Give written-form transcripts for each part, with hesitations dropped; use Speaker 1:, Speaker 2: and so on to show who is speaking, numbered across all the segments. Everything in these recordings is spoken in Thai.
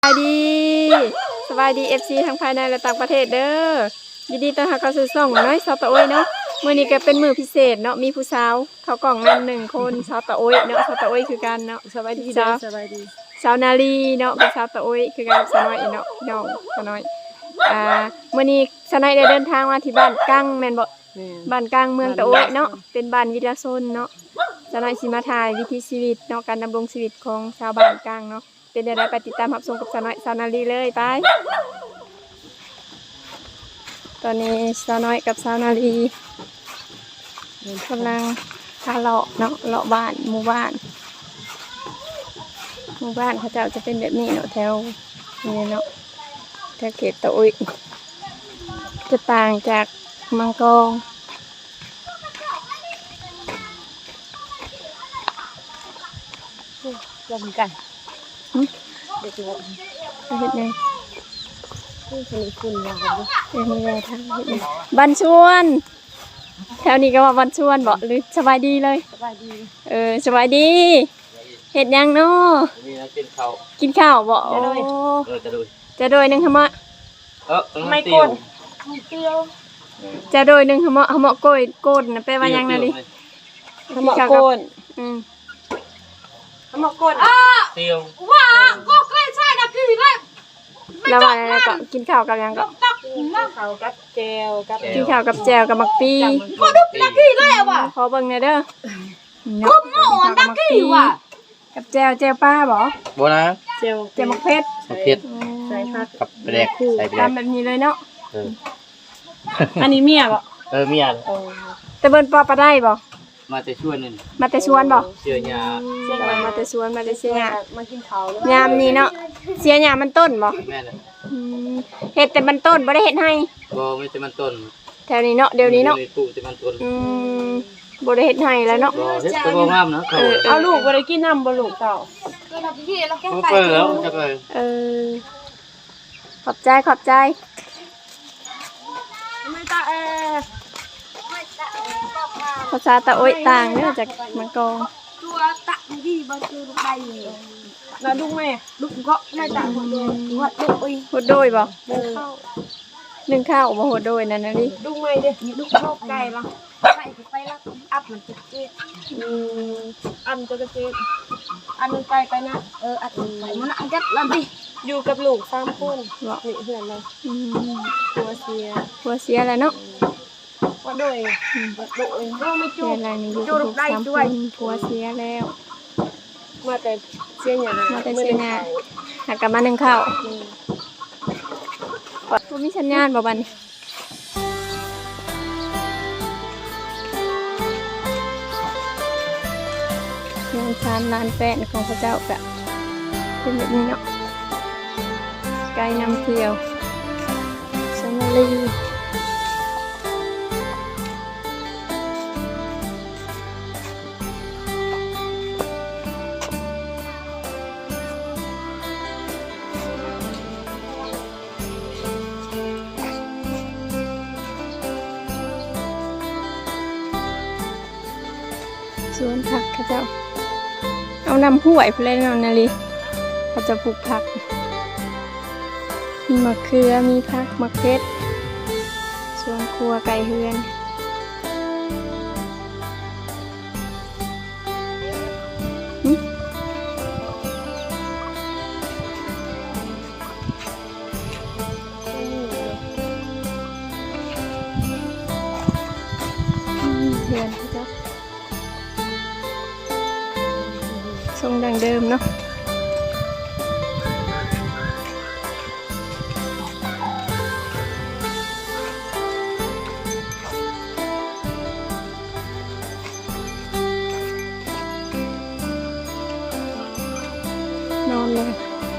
Speaker 1: ายดีFC ทั้งภายในและต่างประเทศเด้อยินดีต้อนรับเข้าสู่ช่องน้อยสาวตะโอยเนาะมื้อนี้ก็เป็นมื้อพิเศษเนาะมีผู้สาวเข้ากล่องนำ1คนสาวตะโอยเนาะสาวตะโอยคือกันเนาะสบายดีจ้าสบายดีสาวนาลีเนาะเป็นสาวตะโอยคือกันกับสาวน้อยเนาะพี่น้องสาวน้อยมื้อนี้สาวน้อยได้เดินทางมาที่บ้านกังแม่นบ่บ้านกังเมืองตะโอยเนาะเป็นบ้านวิทยาชนเนาะสาวน้อยสิมาถ่ายวิถีชีวิตเนาะการดำรงชีวิตของชาวบ้านกังเนาะเป็นอะไรไปติดตามรับชมกับสาวน้อยสาวนาลีเลยไปตอนนี้สาวน้อยกับสาวนาลีกำลังพาเลาะเนาะเลาะบ้านหมู่บ้านเขาเจ้าจะเป็นแบบนี้เนาะแถวนี้เนาะแถวเขตตะอุยจะต่างจากมังกรลงกันเด็กน้อยเห็นไงนี่คุณมาเลยมีอะไรทำเห็นบันชวนแถวนี้ก็ว่าบันชวนบอกหรือสบายดีเลยสบายดีสบายดีเห็ดยังเนาะกินข้าวบอกจะโดยหนึ่งขมะไม่โกนจะโดยหนึ่งขมะโกนนะแปลว่ายังนะดิขมะโกนขมะโกนเตียวว้าก็ใกล้ใช่นะคือเลยแล้ววันนั้นก็กินข้าวกับยังก็กินข้าวกับแจวกับมักปีพอดุนักกี้เลยว่ะขอเบิ่งหน่อยเด้อคุ้มอ่อนนักกี้ว่ะกับแจวป้าบ่บ่นะแจวมักเพชรใส่ผักกับแปลกใส่ตามแบบนี้เลยเนาะอันนี้เมียบ่
Speaker 2: เมีย
Speaker 1: แต่เบิ่นปอปลาได้บ่
Speaker 2: มาแต่ชวนนี่
Speaker 1: มาแต่ชวนบ่
Speaker 2: เสียหญ้า
Speaker 1: มาแต่ชวนมาแต่เสียหญ้ามากินข้าวยามนี้เนาะเสียหญ้ามันต้นบ่
Speaker 2: แม่น
Speaker 1: เฮ็ดแต่มันต้นบ่ได้เฮ็ดให้
Speaker 2: บ่มีแต่มันต้น
Speaker 1: แถวนี้เนาะเดี๋ยวนี้เนาะ
Speaker 2: ปลูกแต่มันต้น
Speaker 1: บ่ได้เฮ็ดให้แล้วเนาะ
Speaker 2: บ่เฮ็ดก็บ่งามนะ
Speaker 1: เอาลูกบ่ได้กินน้ำบ่ลูกเต่า
Speaker 2: ก็ทำพี่เราแค่ไปแล้วจักเลย
Speaker 1: ขอบใจไม่ตาภาษาตะโอยต่างเด้อจากมังกร
Speaker 3: ตัวตะดีบ่คือลูกใบ
Speaker 1: แล้วลูกแม่
Speaker 3: ลูกก็ไม่ตะหัวโดย
Speaker 1: หัวโดยบ่นึ่งข้าวบ่หัวโดยนั่นน่ะดิ
Speaker 3: ลูกแม่เด้ลูกโลกไก่บ่ไก่ไปแล้วอัพมันจะเจ็ด
Speaker 1: อันจะเจ็ด
Speaker 3: อันนึงไปนะอันไปมันอันจัดแล้วดิ
Speaker 1: อยู่กับลูก3คนบ่นี่เพื่อนเลยผัวเสียแล้วเนาะ
Speaker 3: ว่าโดยไม่จูบ
Speaker 1: อะไรนี่อยู่กับลูก3คนผัวเสียแล้ว
Speaker 3: มาแต่เสียหญ้า
Speaker 1: หากลับมานึ่งข้าวบ่มีสัญญาณบ่บัดนี้งานชานลานแป้นของพระเจ้าก็เป็นแบบนี้เนาะไกลนำเที่ยวสนาลีสวนผักเขาเจ้าเอานำห้วยเพลนเอานาลีเขาจะปลูกผักมีมะเขือมีผักมะเขือสวนครัวไก่เฮือนเฮือนเขาเจ้าทรงดังเดิมเนาะนอนเลย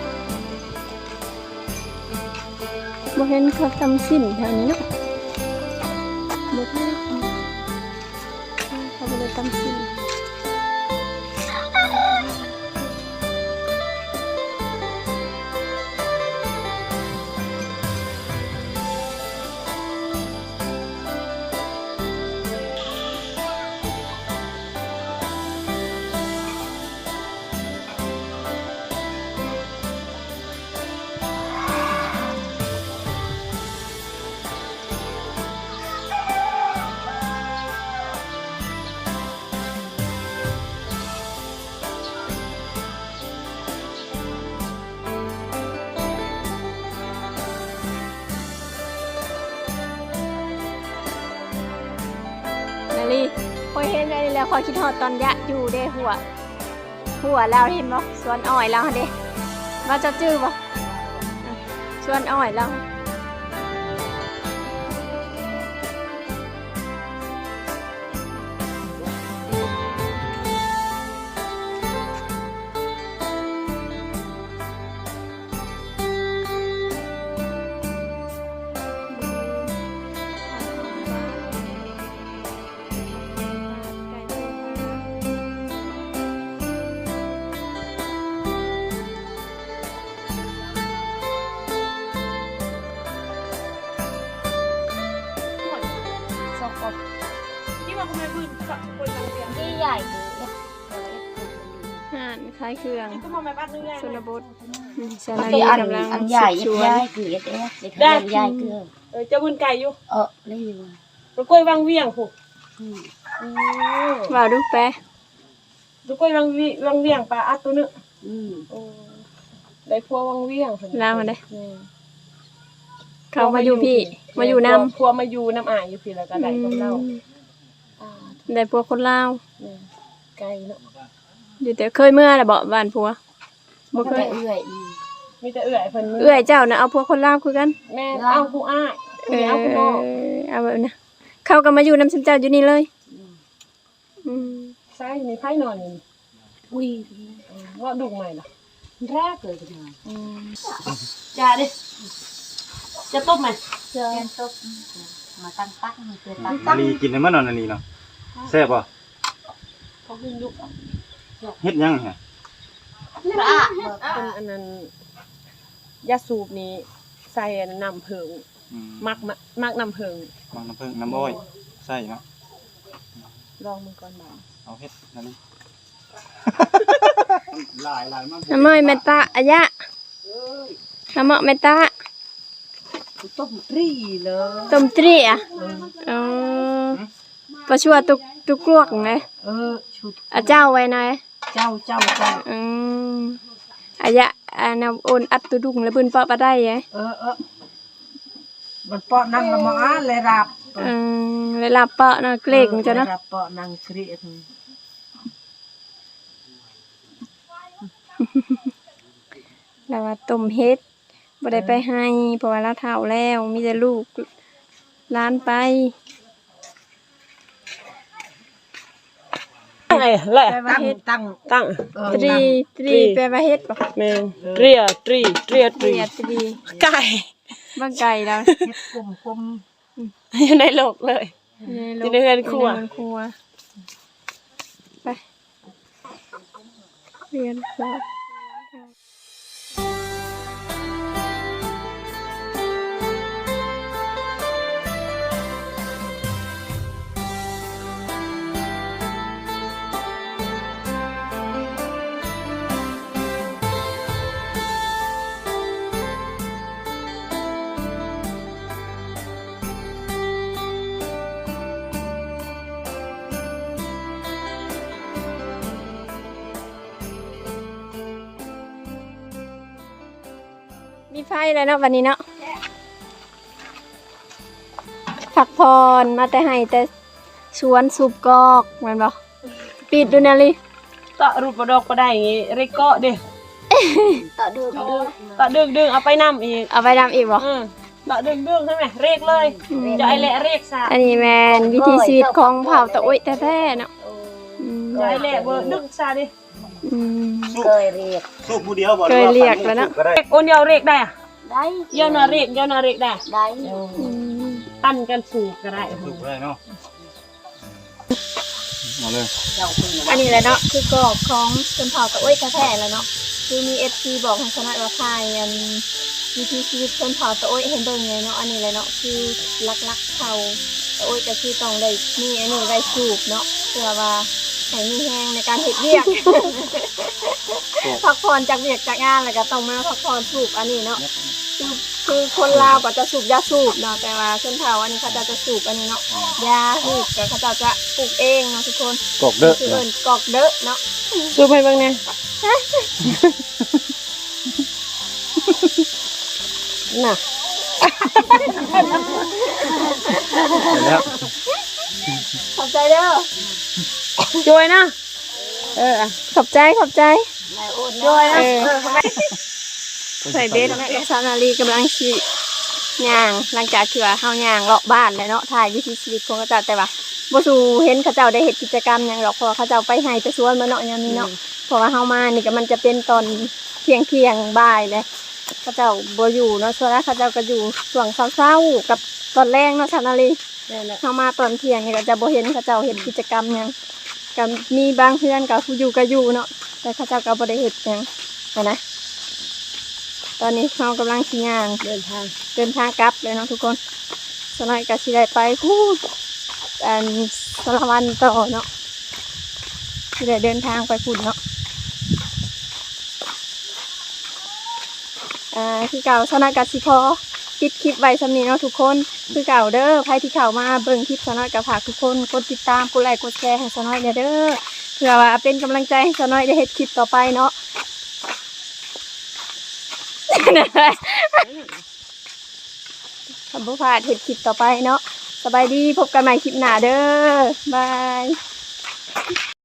Speaker 1: บ่เห็นเขาทำสิ้นแถวนี้เนาะบ่เห็นเขาบ่ได้ทำสิ้น นอยเห็นอันนี้แล้วคอยคิดฮอดตอนยะอยู่เด้หัวแล้วเห็นบ่สวนอ้อยแล้วเด้ว่าจะจื้อบ่สวนอ้อยแล้ว
Speaker 3: ที่ใหญ่คือ
Speaker 1: ห่านคล้ายเครื่องชนบทชน
Speaker 3: ที่
Speaker 1: นี
Speaker 3: อัน
Speaker 1: กำลัง
Speaker 3: อันใหญ่
Speaker 1: สืบสวน
Speaker 3: ใหญ่คือเอ๊ะเด็กใหญ่คือ
Speaker 4: จะบุญไก่อยู่
Speaker 3: เลยอยู่
Speaker 4: ลูกกล้วยวังเวียงผูก
Speaker 1: ว่าดูแปะ
Speaker 4: ลูกกล้วยวังเวียงปลาอัดตัวนึง
Speaker 3: Ừ.
Speaker 4: ได้พัววังเวียง
Speaker 1: ลาวมาได้เขามาอยู่พี่มาอยู่นำ
Speaker 4: พัวมาอยู่น้ำอ่างอยู่พี่แล้วก็ได้กับเรา
Speaker 1: ได้พวกคนลาว
Speaker 4: ไก่เนาะ
Speaker 1: อยู่แต่เคยเมื่อน่ะบ่บ้านผัวบ่
Speaker 3: มัน
Speaker 1: เค
Speaker 3: ก็
Speaker 1: ย
Speaker 3: เอื่อย
Speaker 4: มีแต่เอื่อยเพิ่น
Speaker 1: เอื้อยเจ้าน่ะเอาพวกคนลาวคือกัน
Speaker 4: แม่เอาผู้อ้ายเอาผู้น้อง
Speaker 1: เอาแบบนั้นเขาก็มาอยู่นำฉันเจ้าอยู่นี่เลยอืม
Speaker 4: ใช่มีไผ่นอนนี่
Speaker 3: อุ้ย
Speaker 4: ว่าดุใหม่ล่ะ
Speaker 3: แรกเลยกันมา
Speaker 4: จ้าดิจะต้มไหม
Speaker 3: เจอตุ๊กมาตั้งตั้งเจอตั้ง
Speaker 5: อันนี้กินได้มั้ยนอนอันนี้เนาะแซ่บบ่
Speaker 4: เขาขึ้นยุก
Speaker 5: เฮ็ดยังฮะ
Speaker 3: พระ
Speaker 4: เป็นอันนั้นยาสูบนี้ใส่น้ำเพิงมักน้ำเพิง
Speaker 5: บางน้ำผึ้งน้ำอ้อยใส่เนาะ
Speaker 4: ลองมันก่อนบ่
Speaker 5: เอาเฮ็ดนั่นนี่หลายมัน
Speaker 1: น้ำอ้อยแม่ตาอะยะน้ำอ้อยแม่ตา
Speaker 3: ต้มตรีเลย
Speaker 1: ต้มตรีอ่ะอ๋อประชัวตุกกลวกไง
Speaker 3: ชุด
Speaker 1: อะเจ้าไว้หน่อย
Speaker 3: เจ้า
Speaker 1: อืมอะยะอันโอนอัดตุดุงแล้วเพิ่นเปาะปะได้ไง
Speaker 3: มันเปาะนั่งละมาเลยรับ
Speaker 1: เวลาเปาะเนาะเกล็กมันจะเนาะ
Speaker 3: รับเปาะนั่งเครียด
Speaker 1: แล้วว่าต้มเฮ็ดบ่ได้ไปให้เพราะว่าเราเฒ่าแล้วมีแต่ลูกหลานไป
Speaker 4: ไงแหละ
Speaker 1: แปลว่าเฮ็ด
Speaker 3: ตั้ง
Speaker 4: ตั้ง
Speaker 1: ตรีแปลว่าเฮ็ดบ่
Speaker 4: แม่นเตรียตรี
Speaker 1: เตรียตรี
Speaker 4: ไก่
Speaker 1: บ่ไก่แล้ว
Speaker 3: เฮ็ดกลม
Speaker 4: อยู่ในโลกเลย
Speaker 1: ใน
Speaker 4: อยู่ในเรือนครัว
Speaker 1: ในเรือนครัวไปเรือนครัว มีไฟแล้วเนาะวันนี้เนาะพักพรมาแต่ให้แต่ชวนสูบกอกแมันบ่ปิดดูนะลิ
Speaker 4: ตะรูปประดอกก็ได้อย่างงี้เรกเกาะดิ
Speaker 3: ๆต่อดึง
Speaker 4: ตะดึงเอาไปนำอีก
Speaker 1: เอาไปดำอีกบ่
Speaker 4: ตะดึงใช่ไหมเรกเลยจะไอแหละเรกซะ
Speaker 1: อันนี้แมนวิธีชีวิตของเผ่าตะอุ้ยแท้ๆเนาะอืม
Speaker 4: จะไอแหละเบอร์ดึงซะดิ
Speaker 1: อืม
Speaker 3: เคยเรียก
Speaker 5: สูบผู้เดียวบ่
Speaker 1: เคยเรียกแล้วเนาะ
Speaker 5: ก็ได้
Speaker 4: เรกโอนเดียวเรกได้อะ
Speaker 3: ได้
Speaker 4: เยานาเรกได้
Speaker 3: ได้
Speaker 1: อืม
Speaker 4: ตั้นกันสูบก็ได้
Speaker 5: สูบได้เนาะมาเลย
Speaker 3: เจ้าคุณ
Speaker 1: อันนี้แหละเนาะคือกอกของชนเผ่าตะอุ้ยแท้ๆแล้วเนาะคือมี FC บอกให้คณะว่าทายอันวิถีชีวิตชนเผ่าตะอุ้ยเห็นเบิ่งไงเนาะอันนี้แหละเนาะคือลักๆเผ่าตะอุ้ยก็คือต้องได้มีอันนี้ได้สูบเนาะเพื่อว่าให้มีแฮงในการเฮ็ดเวียก พักผ่อนจากเวียกจากงานแล้วก็ต้องมาพักผ่อนสูบอันนี้เนาะคือคนลาวก็จะสูบยาสูบเนาะแต่ว่าชนเผ่าอันนี้เขาจะสูบอันนี้เนาะยาสูบก็เขาจะปลูกเองเนาะทุกคน
Speaker 5: กอกเด้อ
Speaker 1: คือเอิ้นกอกเด้อเนาะ
Speaker 4: สูบให้เบิ่งเนี่ยน่ะ
Speaker 5: เห็นแล้ว
Speaker 1: ขอบใจเด้อ
Speaker 4: ช่วยนะ
Speaker 1: ขอบใจ
Speaker 4: ช่วยนะ
Speaker 1: ใส่เบสกับซานาลีกำลังชีย่างหลังจากที่ว่าเฮาย่างเลาะบ้านแล้วเนาะถ่ายวิถีชีวิตของเขาเจ้าแต่ว่าบ่สู่เห็นเขาเจ้าได้เฮ็ดกิจกรรมหยังหรอกเพราะว่าเขาเจ้าไปให้ไปสวนมาเนาะยามนี้เนาะเพราะว่าเฮามานี่ก็มันจะเป็นตอนเที่ยงบ่ายเลยเขาเจ้าบ่อยู่เนาะส่วนแล้วเขาเจ้าก็อยู่ช่วงเช้าๆกับตอนแรงเนาะซานาลี
Speaker 4: นั่นแหละ
Speaker 1: เฮามาตอนเที่ยงนี่ก็จะบ่เห็นเขาเจ้าเฮ็ดกิจกรรมหยังก็มีบางเพื่อนก็อยู่ก็อยู่เนาะแต่เขาเจ้าก็บ่ได้เฮ็ดหยังนะตอนนี้เรากำลังสิย่างเดินทางกลับเลยเนาะทุกคนสนอยก็สิได้ไปพูดสารวันต่อเนาะสิได้เดินทางไปพูดเนาะคือเก่าสนอยก็สิพอปิดคลิปไว้สำนี้เนาะทุกคนคือเก่าเด้อใครที่เข้ามาเบิ่งคลิปสนอยก็ฝากทุกคนกดติดตามกดไลค์กดแชร์ให้สนอยเนี่ยเด้อเพื่อว่าเป็นกำลังใจให้สนอยได้เฮ็ดคลิปต่อไปเนาะทำบุพาดเห็ดคลิปต่อไปเนาะสบายดีพบกันใหม่คลิปหน้าเด้อบาย